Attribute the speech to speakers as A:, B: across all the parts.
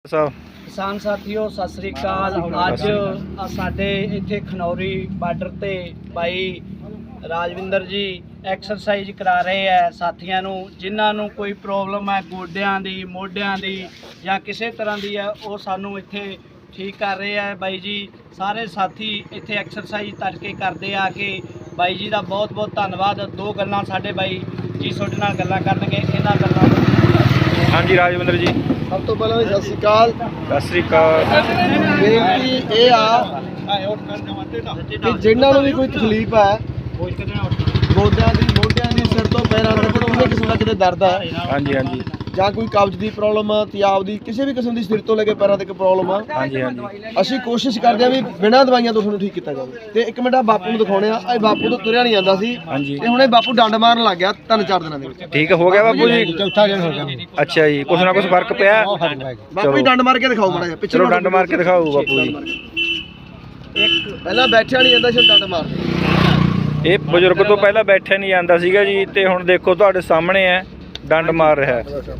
A: किसान साथियों सत श्री अकाल। अज साडे इत्थे खनौरी बार्डर ते भाई राजविंदर जी एक्सरसाइज करा रहे हैं साथियों नूं, जिन्हां नूं कोई प्रॉब्लम है गोड्यां दी मोढियां दी या किसी तरह की है, वो सानू इत्थे ठीक कर रहे हैं भाई जी। सारे साथी इत्थे एक्सरसाइज तड़के करते आ के भाई जी का बहुत बहुत धन्यवाद। दो गल्लां साडे भाई जी तुहाडे नाल गल्लां करनगे, इन्हां गल्लां।
B: हाँ जी राजविंदर जी,
C: सब तो पहले सत श्री अकाल।
B: सत श्री अकाल।
C: बेनती ये आ कि जिन्होंने भी कोई तकलीफ है गोड्या की मोढियां की सिर तो पैरों तक किसी किस्म का कितने दर्द है,
B: हाँ जी हाँ जी,
C: ਜਾਂ ਕੋਈ ਕਬਜ਼ ਦੀ ਪ੍ਰੋਬਲਮ ਆ, ਤਿਆਬ ਦੀ ਕਿਸੇ ਵੀ ਕਿਸਮ ਦੀ ਸਿਰ ਤੋਂ ਲੈ ਕੇ ਪੈਰਾਂ ਤੱਕ ਪ੍ਰੋਬਲਮ ਆ,
B: हाँ जी हाँ जी,
C: ਅਸੀਂ ਕੋਸ਼ਿਸ਼ ਕਰਦੇ ਆ ਵੀ ਬਿਨਾਂ ਦਵਾਈਆਂ ਤੋਂ ਤੁਹਾਨੂੰ ਠੀਕ ਕੀਤਾ ਜਾਵੇ। ਤੇ ਇੱਕ ਮਿੰਟ ਆ ਬਾਪੂ ਨੂੰ ਦਿਖਾਉਣੇ ਆ। ਇਹ ਬਾਪੂ ਤੋਂ ਤੁਰਿਆ ਨਹੀਂ ਜਾਂਦਾ ਸੀ
B: हाँ जी।
C: ਤੇ ਹੁਣ ਇਹ ਬਾਪੂ ਡੰਡ ਮਾਰਨ ਲੱਗ ਗਿਆ 3-4 ਦਿਨਾਂ ਦੇ ਵਿੱਚ।
B: ठीक हो गया बापू जी?
C: ਚੌਥਾ ਦਿਨ ਹੋ ਗਿਆ।
B: अच्छा जी, कुछ ना कुछ फर्क पिया?
C: ਬਾਪੂ ਜੀ ਡੰਡ ਮਾਰ ਕੇ ਦਿਖਾਓ ਮਾੜਾ ਜਿਹਾ ਪਿੱਛੇ।
B: चलो डंड मार के दिखाओ बापू जी।
C: ਪਹਿਲਾਂ ਬੈਠਿਆ ਨਹੀਂ ਜਾਂਦਾ ਸੀ, ਡੰਡ ਮਾਰ।
B: ਇਹ ਬਜ਼ੁਰਗ ਤੋਂ ਪਹਿਲਾਂ ਬੈਠਿਆ ਨਹੀਂ ਜਾਂਦਾ ਸੀਗਾ ਜੀ, ਤੇ ਹੁਣ ਦੇਖੋ ਤੁਹਾਡੇ ਸਾਹਮਣੇ ਹੈ ਡੰਡ ਮਾਰ ਰਿਹਾ ਹੈ।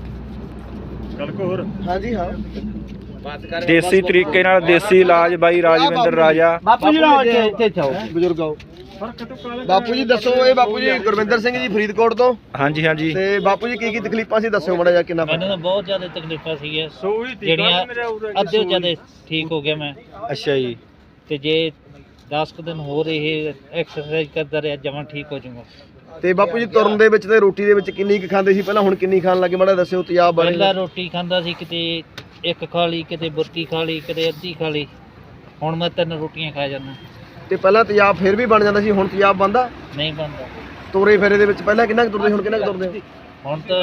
C: ਹਾਂਜੀ ਹਾਂ,
B: ਦੇਸੀ ਤਰੀਕੇ ਨਾਲ ਦੇਸੀ ਇਲਾਜ ਬਾਈ ਰਾਜਵਿੰਦਰ ਰਾਜਾ।
A: बापू जी इत्थे आओ,
C: ਬਜ਼ੁਰਗ ਆਓ। ਬਾਪੂ ਜੀ ਦੱਸੋ, ਇਹ ਬਾਪੂ ਜੀ ਗੁਰਵਿੰਦਰ ਸਿੰਘ ਜੀ ਫਰੀਦਕੋਟ ਤੋਂ।
B: ਹਾਂਜੀ ਹਾਂਜੀ,
C: ਤੇ ਬਾਪੂ ਜੀ ਕੀ ਤਕਲੀਫਾਂ ਸੀ ਦੱਸਿਓ ਮਾੜਾ ਜਿਹਾ। ਕਿੰਨਾ
D: ਮੈਨੂੰ ਤਾਂ ਬਹੁਤ ਜ਼ਿਆਦਾ ਤਕਲੀਫਾਂ ਸੀਗੀਆਂ ਜਿਹੜੀਆਂ ਅੱਧੇ ਜ਼ਿਆਦਾ ਠੀਕ ਹੋ ਗਿਆ ਮੈਂ।
B: ਅੱਛਾ ਜੀ।
D: ਤੇ ਜੇ 10 ਕੁ ਦਿਨ ਹੋਰ ਇਹ ਐਕਸਰਸਾਈਜ਼ ਕਰਦਾ ਰਿਹਾ ਜਮਾਂ ਠੀਕ ਹੋ ਜਾਊਗਾ।
C: ਤੇ ਬਾਪੂ ਜੀ ਤੁਰਨ ਦੇ ਵਿੱਚ ਤੇ ਰੋਟੀ ਦੇ ਵਿੱਚ ਕਿੰਨੀ ਕੁ ਖਾਂਦੇ ਸੀ ਪਹਿਲਾਂ, ਹੁਣ ਕਿੰਨੀ ਖਾਣ ਲੱਗੇ ਮਾੜਾ ਦੱਸਿਓ ਤਿਆਬ ਬਾਰੇ।
D: ਪਹਿਲਾਂ ਰੋਟੀ ਖਾਂਦਾ ਸੀ, ਕਿਤੇ ਇੱਕ ਖਾ ਲਈ, ਕਿਤੇ ਬੁਰਕੀ ਖਾ ਲਈ, ਕਿਤੇ ਅੱਧੀ ਖਾ ਲਈ। ਹੁਣ ਮੈਂ 3 ਰੋਟੀਆਂ ਖਾ ਜਾਂਦਾ।
C: ਤੇ ਪਹਿਲਾਂ ਤਿਆਬ ਫਿਰ ਵੀ ਬਣ ਜਾਂਦਾ ਸੀ, ਹੁਣ ਤਿਆਬ ਬਣਦਾ
D: ਨਹੀਂ ਬਣਦਾ।
C: ਤੋਰੇ ਫੇਰੇ ਦੇ ਵਿੱਚ ਪਹਿਲਾਂ ਕਿੰਨਾ ਕੁ ਤੁਰਦੇ, ਹੁਣ ਕਿੰਨਾ ਕੁ ਤੁਰਦੇ?
D: ਹੁਣ ਤਾਂ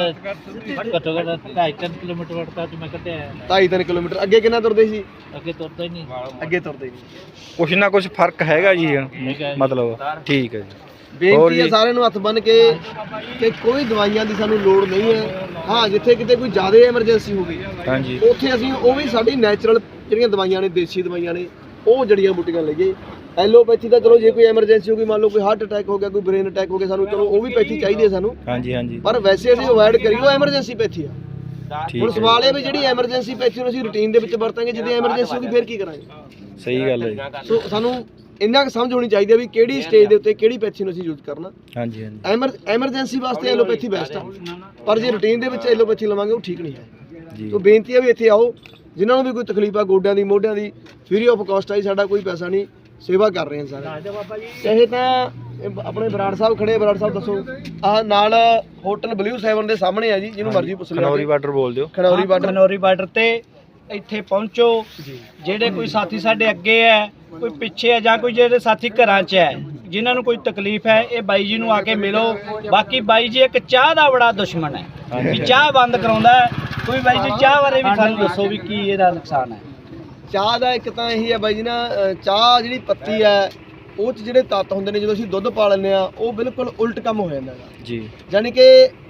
D: ਘੱਟੋ ਘੱਟ 2.5-3 ਕਿਲੋਮੀਟਰ ਵੜਤਾ ਤੇ ਮੈਂ ਕੱਢਿਆ।
C: 2.5-3 ਕਿਲੋਮੀਟਰ। ਅੱਗੇ ਕਿੰਨਾ ਤੁਰਦੇ ਸੀ?
D: ਅੱਗੇ ਤੁਰਦਾ ਹੀ ਨਹੀਂ।
C: ਅੱਗੇ ਤੁਰਦੇ ਨਹੀਂ।
B: ਕੁਛ ਨਾ ਕੁਛ ਫਰਕ ਹੈਗਾ ਜੀ,
D: ਹੈਗਾ ਜੀ।
B: ਮਤਲਬ ਠੀਕ ਹੈ ਜੀ।
C: ਬੇਨਤੀ ਹੈ ਸਾਰਿਆਂ ਨੂੰ ਹੱਥ ਬੰਨ ਕੇ ਕਿ ਕੋਈ ਦਵਾਈਆਂ ਦੀ ਸਾਨੂੰ ਲੋੜ ਨਹੀਂ ਹੈ। ਹਾਂ, ਜਿੱਥੇ ਕਿਤੇ ਕੋਈ ਜ਼ਿਆਦਾ ਐਮਰਜੈਂਸੀ ਹੋ ਗਈ
B: ਹਾਂਜੀ,
C: ਉੱਥੇ ਅਸੀਂ ਉਹ ਵੀ ਸਾਡੀ ਨੈਚੁਰਲ ਜਿਹੜੀਆਂ ਦਵਾਈਆਂ ਨੇ, ਦੇਸੀ ਦਵਾਈਆਂ ਨੇ, ਉਹ ਜੜੀਆਂ ਬੂਟੀਆਂ ਲਈਏ। ਐਲੋਪੈਥੀ ਦਾ ਚਲੋ ਜੇ ਕੋਈ ਐਮਰਜੈਂਸੀ ਹੋ ਗਈ, ਮੰਨ ਲਓ ਕੋਈ ਹਾਰਟ ਅਟੈਕ ਹੋ ਗਿਆ, ਕੋਈ ਬ੍ਰੇਨ ਅਟੈਕ ਹੋ ਗਿਆ, ਸਾਨੂੰ ਚਲੋ ਉਹ ਵੀ ਪੈਥੀ ਚਾਹੀਦੀ ਹੈ ਸਾਨੂੰ,
B: ਹਾਂਜੀ ਹਾਂਜੀ,
C: ਪਰ ਵੈਸੇ ਅਸੀਂ ਅਵੋਇਡ ਕਰੀਏ ਐਮਰਜੈਂਸੀ ਪੈਥੀ ਆ।
B: ਠੀਕ
C: ਹੁਣ
B: ਹੈ।
C: ਸਵਾਲ ਇਹ ਵੀ ਜਿਹੜੀ ਐਮਰਜੈਂਸੀ ਪੈਥੀ ਨੂੰ ਅਸੀਂ ਰੂਟੀਨ ਦੇ ਵਿੱਚ ਵਰਤਾਂਗੇ, ਜਦੋਂ ਐਮਰਜੈਂਸੀ ਹੋਗੀ ਫਿਰ ਕੀ ਕਰਾਂਗੇ?
B: ਸਹੀ ਗੱਲ ਹੈ ਜੀ।
C: ਸੋ ਸਾਨੂੰ ਇੰਨਾ ਕੁ ਸਮਝ ਹੋਣੀ ਚਾਹੀਦੀ ਹੈ ਵੀ ਕਿਹੜੀ ਸਟੇਜ ਦੇ ਉੱਤੇ ਕਿਹੜੀ ਪੈਥੀ ਨੂੰ ਅਸੀਂ ਯੂਜ਼ ਕਰਨਾ।
B: ਹਾਂਜੀ ਹਾਂਜੀ
C: ਐਮਰਜੈਂਸੀ ਵਾਸਤੇ ਐਲੋਪੈਥੀ ਬੈਸਟ ਆ, ਪਰ ਜੇ ਰੂਟੀਨ ਦੇ ਵਿੱਚ ਐਲੋਪੈਥੀ ਲਵਾਂਗੇ ਉਹ ਠੀਕ ਨਹੀਂ ਹੈ
B: ਜੀ।
C: ਸੋ ਬੇਨਤੀ ਹੈ ਵੀ ਇੱਥੇ ਆਓ, ਜਿਨ੍ਹਾਂ ਨੂੰ ਵੀ ਕੋਈ ਤਕਲੀਫ ਆ ਗੋਡਿਆਂ ਦੀ ਮੋਢਿਆਂ ਦੀ, ਫ੍ਰੀ ਆਫ ਕਾਸਟ ਆ ਜੀ, ਸਾਡਾ ਕੋਈ ਪੈਸਾ ਨਹੀਂ, ਸੇਵਾ ਕਰ ਰਹੇ ਹਾਂ ਸਾਰੇ। ਇਹ ਤਾਂ ਆਪਣੇ ਬਰਾੜ ਸਾਹਿਬ ਖੜੇ। ਬਰਾੜ ਸਾਹਿਬ ਦੱਸੋ। ਆਹ ਨਾਲ ਹੋਟਲ ਬਲੂ 7 ਦੇ ਸਾਹਮਣੇ ਆ ਜੀ, ਜਿਹਨੂੰ ਮਰਜ਼ੀ ਪੁੱਛ ਲਓ।
B: ਖਨੌਰੀ ਬਾਰਡਰ ਬੋਲ ਦਿਓ।
C: ਖਨੌਰੀ ਬਾਰਡਰ।
A: ਖਨੌਰੀ ਬਾਰਡਰ ਤੇ ਇੱਥੇ ਪਹੁੰਚੋ। ਜਿਹੜੇ ਕੋਈ ਸਾਥੀ ਸਾਡੇ ਅੱਗੇ ਹੈ, ਕੋਈ ਪਿੱਛੇ ਹੈ, ਜਾਂ ਕੋਈ ਜਿਹੜੇ ਸਾਥੀ ਘਰਾਂ 'ਚ ਹੈ, ਜਿਨ੍ਹਾਂ ਨੂੰ ਕੋਈ ਤਕਲੀਫ ਹੈ, ਇਹ ਬਾਈ ਜੀ ਨੂੰ ਆ ਕੇ ਮਿਲੋ। ਬਾਕੀ ਬਾਈ ਜੀ ਇੱਕ ਚਾਹ ਦਾ ਬੜਾ ਦੁਸ਼ਮਣ ਹੈ, ਵੀ ਚਾਹ ਬੰਦ ਕਰਾਉਂਦਾ ਹੈ। ਕੋਈ ਬਾਈ ਜੀ ਚਾਹ ਬਾਰੇ ਵੀ ਸਾਨੂੰ ਦੱਸੋ ਵੀ ਕੀ ਇਹਦਾ ਨੁਕਸਾਨ ਹੈ।
C: ਚਾਹ ਦਾ ਇੱਕ ਤਾਂ ਇਹੀ ਹੈ ਬਾਈ ਜੀ ਨਾ, ਚਾਹ ਜਿਹੜੀ ਪੱਤੀ ਹੈ ਉਹ 'ਚ ਜਿਹੜੇ ਤੱਤ ਹੁੰਦੇ ਨੇ, ਜਦੋਂ ਅਸੀਂ ਦੁੱਧ ਪਾ ਲੈਂਦੇ ਆ ਉਹ ਬਿਲਕੁਲ ਉਲਟ ਕੰਮ ਹੋ ਜਾਂਦਾ ਹੈ
B: ਜੀ।
C: ਯਾਨੀ ਕਿ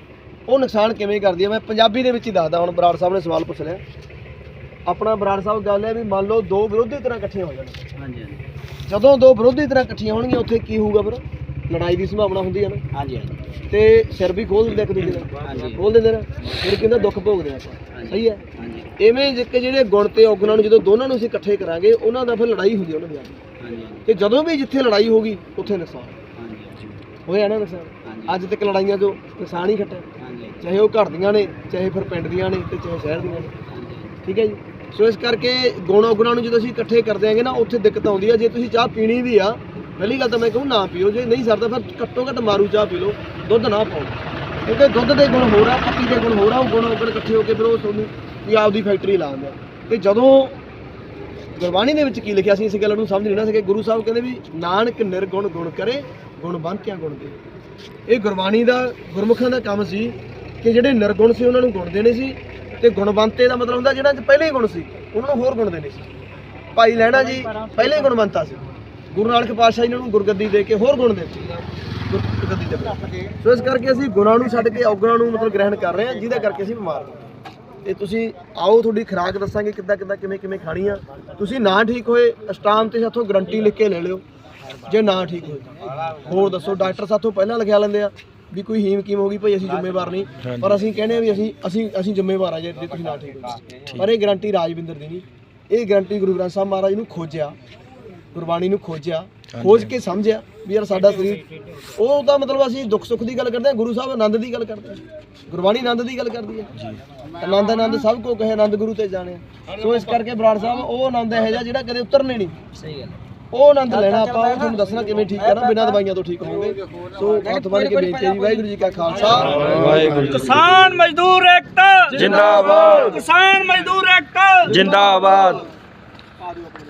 C: ਉਹ ਨੁਕਸਾਨ ਕਿਵੇਂ ਕਰਦੀ ਹੈ, ਮੈਂ ਪੰਜਾਬੀ ਦੇ ਵਿੱਚ ਹੀ ਦੱਸਦਾ। ਹੁਣ ਬਰਾੜ ਸਾਹਿਬ ਨੇ ਸਵਾਲ ਪੁੱਛ ਲਿਆ ਆਪਣਾ। ਬਰਾੜ ਸਾਹਿਬ ਗੱਲ ਹੈ ਵੀ ਮੰਨ ਲਓ ਦੋ ਵਿਰੋਧੀ ਤਰ੍ਹਾਂ ਇਕੱਠੀਆਂ ਹੋ ਜਾਣ।
A: ਹਾਂਜੀ ਹਾਂਜੀ
C: ਜਦੋਂ ਦੋ ਵਿਰੋਧੀ ਤਰ੍ਹਾਂ ਇਕੱਠੀਆਂ ਹੋਣਗੀਆਂ ਉੱਥੇ ਕੀ ਹੋਊਗਾ? ਫਿਰ ਲੜਾਈ ਦੀ ਸੰਭਾਵਨਾ ਹੁੰਦੀ ਹੈ ਨਾ।
A: ਹਾਂਜੀ ਹਾਂਜੀ
C: ਤੇ ਸਿਰ ਵੀ ਖੋਲ ਦਿੰਦੇ ਇੱਕ ਦੂਜੇ ਦਾ, ਖੋਲ ਦਿੰਦੇ ਨਾ, ਫਿਰ ਕਹਿੰਦਾ ਦੁੱਖ ਭੋਗਦੇ ਆਪਾਂ। ਸਹੀ ਹੈ। ਇਵੇਂ ਜਿਹੜੇ ਗੁਣ ਤੇ ਔਗੁਣਾਂ ਨੂੰ ਜਦੋਂ ਦੋਨਾਂ ਨੂੰ ਅਸੀਂ ਇਕੱਠੇ ਕਰਾਂਗੇ, ਉਹਨਾਂ ਦਾ ਫਿਰ ਲੜਾਈ ਹੁੰਦੀ ਉਹਨਾਂ ਦੀ ਆਪਣੀ। ਤੇ ਜਦੋਂ ਵੀ ਜਿੱਥੇ ਲੜਾਈ ਹੋਗੀ ਉੱਥੇ ਨੁਕਸਾਨ ਹੋਇਆ ਨਾ। ਨੁਕਸਾਨ ਅੱਜ ਤੱਕ ਲੜਾਈਆਂ ਤੋਂ ਨੁਕਸਾਨ ਹੀ ਖੱਟਿਆ, ਚਾਹੇ ਉਹ ਘਰ ਦੀਆਂ ਨੇ, ਚਾਹੇ ਫਿਰ ਪਿੰਡ ਦੀਆਂ ਨੇ, ਤੇ ਚਾਹੇ ਸ਼ਹਿਰ ਦੀਆਂ ਨੇ। ਠੀਕ ਹੈ ਜੀ। ਸੋ ਇਸ ਕਰਕੇ ਗੁਣ ਔਗੁਣਾਂ ਨੂੰ ਜਦੋਂ ਅਸੀਂ ਇਕੱਠੇ ਕਰ ਦਿਆਂਗੇ ਨਾ, ਉੱਥੇ ਦਿੱਕਤ ਆਉਂਦੀ ਆ। ਜੇ ਤੁਸੀਂ ਚਾਹ ਪੀਣੀ ਵੀ ਆ, ਪਹਿਲੀ ਗੱਲ ਤਾਂ ਮੈਂ ਕਹੂੰ ਨਾ ਪੀਓ। ਜੇ ਨਹੀਂ ਸਰਦਾ ਫਿਰ ਘੱਟੋ ਘੱਟ ਮਾਰੂ ਚਾਹ ਪੀ ਲਓ, ਦੁੱਧ ਨਾ ਪਾਓ। ਕਿਉਂਕਿ ਦੁੱਧ ਦੇ ਗੁਣ ਹੋਰ ਆ, ਪੱਤੀ ਦੇ ਗੁਣ ਹੋਰ ਆ। ਉਹ ਗੁਣ ਔਗੁਣ ਇਕੱਠੇ ਹੋ ਕੇ ਫਿਰ ਉਹ ਤੁਹਾਨੂੰ ਵੀ ਆਪਦੀ ਫੈਕਟਰੀ ਲਾ ਦਿੰਦੇ ਆ। ਤੇ ਜਦੋਂ ਗੁਰਬਾਣੀ ਦੇ ਵਿੱਚ ਕੀ ਲਿਖਿਆ ਸੀ, ਇਸ ਗੱਲ ਨੂੰ ਸਮਝ ਨਹੀਂ ਨਾ ਸਕੇ। ਗੁਰੂ ਸਾਹਿਬ ਕਹਿੰਦੇ ਵੀ ਨਾਨਕ ਨਿਰਗੁਣ ਗੁਣ ਕਰੇ, ਗੁਣ ਬੰਤਿਆਂ ਗੁਣ ਦੇ। ਇਹ ਗੁਰਬਾਣੀ ਦਾ, ਗੁਰਮੁਖਾਂ ਦਾ ਕੰਮ ਸੀ ਕਿ ਜਿਹੜੇ ਨਿਰਗੁਣ ਸੀ ਉਹਨਾਂ ਨੂੰ ਗੁਣ ਦੇਣੇ ਸੀ, ਤੇ ਗੁਣਵੰਤੇ ਦਾ ਮਤਲਬ ਹੁੰਦਾ ਜਿਹੜਾ ਪਹਿਲੇ ਹੀ ਗੁਣ ਸੀ ਉਹਨਾਂ ਨੂੰ ਹੋਰ ਗੁਣ ਦੇਣੇ ਸੀ। ਭਾਈ ਲਹਿਣਾ ਜੀ ਪਹਿਲੇ ਹੀ ਗੁਣਵੰਤਾ ਸੀ, ਗੁਰੂ ਨਾਨਕ ਪਾਤਸ਼ਾਹ ਜੀ ਨੇ ਉਹਨੂੰ ਗੁਰਗੱਦੀ ਦੇ ਕੇ ਹੋਰ ਗੁਣ ਦਿੱਤੇ ਗੁਰਗੱਦੀ ਦੇ। ਸੋ ਇਸ ਕਰਕੇ ਅਸੀਂ ਗੁਣਾਂ ਨੂੰ ਛੱਡ ਕੇ ਔਗੁਣਾਂ ਨੂੰ ਮਤਲਬ ਗ੍ਰਹਿਣ ਕਰ ਰਹੇ ਹਾਂ, ਜਿਹਦਾ ਕਰਕੇ ਅਸੀਂ ਬਿਮਾਰ ਹਾਂ। ਤੇ ਤੁਸੀਂ ਆਓ, ਤੁਹਾਡੀ ਖੁਰਾਕ ਦੱਸਾਂਗੇ ਕਿੱਦਾਂ ਕਿਵੇਂ ਖਾਣੀ ਆ। ਤੁਸੀਂ ਨਾ ਠੀਕ ਹੋਏ ਅਸ਼ਟਾਮ ਤੇ ਸਾਥੋਂ ਗਰੰਟੀ ਲਿਖ ਕੇ ਲੈ ਲਿਓ, ਜੇ ਨਾ ਠੀਕ ਹੋਏ ਹੋਰ ਦੱਸੋ। ਡਾਕਟਰ ਸਾਥੋਂ ਪਹਿਲਾਂ ਲਿਖਿਆ ਲੈਂਦੇ ਆ ਵੀ ਕੋਈ ਹੀਮ ਕੀਮ ਹੋ ਗਈ ਭਾਈ ਅਸੀਂ ਜ਼ਿੰਮੇਵਾਰ ਨਹੀਂ,
B: ਹਾਂਜੀ।
C: ਪਰ ਅਸੀਂ ਕਹਿੰਦੇ ਆ ਵੀ ਅਸੀਂ ਜ਼ਿੰਮੇਵਾਰ ਆ ਜੇ ਤੁਸੀਂ ਨਾ ਠੀਕ ਹੋ। ਪਰ ਇਹ ਗਾਰੰਟੀ ਰਾਜਵਿੰਦਰ ਦੀ ਨਹੀਂ, ਇਹ ਗਾਰੰਟੀ ਗੁਰੂ ਗ੍ਰੰਥ ਸਾਹਿਬ ਮਹਾਰਾਜ ਨੂੰ ਖੋਜਿਆ, ਗੁਰਬਾਣੀ ਨੂੰ ਖੋਜਿਆ, ਖੋਜ ਕੇ ਸਮਝਿਆ ਵੀ ਯਾਰ ਸਾਡਾ ਸਰੀਰ ਉਹ ਤਾਂ ਮਤਲਬ ਅਸੀਂ ਦੁੱਖ ਸੁੱਖ ਦੀ ਗੱਲ ਕਰਦੇ ਹਾਂ, ਗੁਰੂ ਸਾਹਿਬ ਆਨੰਦ ਦੀ ਗੱਲ ਕਰਦੇ ਆ, ਗੁਰਬਾਣੀ ਆਨੰਦ ਦੀ ਗੱਲ ਕਰਦੀ ਹੈ। ਆਨੰਦ ਆਨੰਦ ਸਭ ਕੋ ਕਹੇ, ਆਨੰਦ ਗੁਰੂ ਤੇ ਜਾਣਿਆ। ਸੋ ਇਸ ਕਰਕੇ ਬਰਾੜ ਸਾਹਿਬ ਉਹ ਆਨੰਦ ਇਹੋ ਜਿਹਾ ਜਿਹੜਾ ਕਦੇ ਉਤਰਨੇ ਨਹੀਂ।
A: ਸਹੀ ਗੱਲ
C: ਉਹ ਆਨੰਦ ਲੈਣਾ ਆਪਾਂ, ਉਹ ਤੁਹਾਨੂੰ ਦੱਸਣਾ ਕਿਵੇਂ ਠੀਕ ਕਰਨਾ, ਬਿਨਾਂ ਦਵਾਈਆਂ ਤੋਂ ਠੀਕ ਹੋਵੋਗੇ। ਸੋ ਹੱਥ ਬੰਨ੍ਹ ਕੇ ਬੇਨਤੀ ਹੈ ਜੀ, ਵਾਹਿਗੁਰੂ ਜੀ ਕਾ ਖਾਲਸਾ
B: ਵਾਹਿਗੁਰੂ ਜੀ।
A: ਕਿਸਾਨ ਮਜ਼ਦੂਰ ਏਕਤਾ
B: ਜਿੰਦਾਬਾਦ।
A: ਕਿਸਾਨ ਮਜ਼ਦੂਰ ਏਕਤਾ
B: ਜਿੰਦਾਬਾਦ।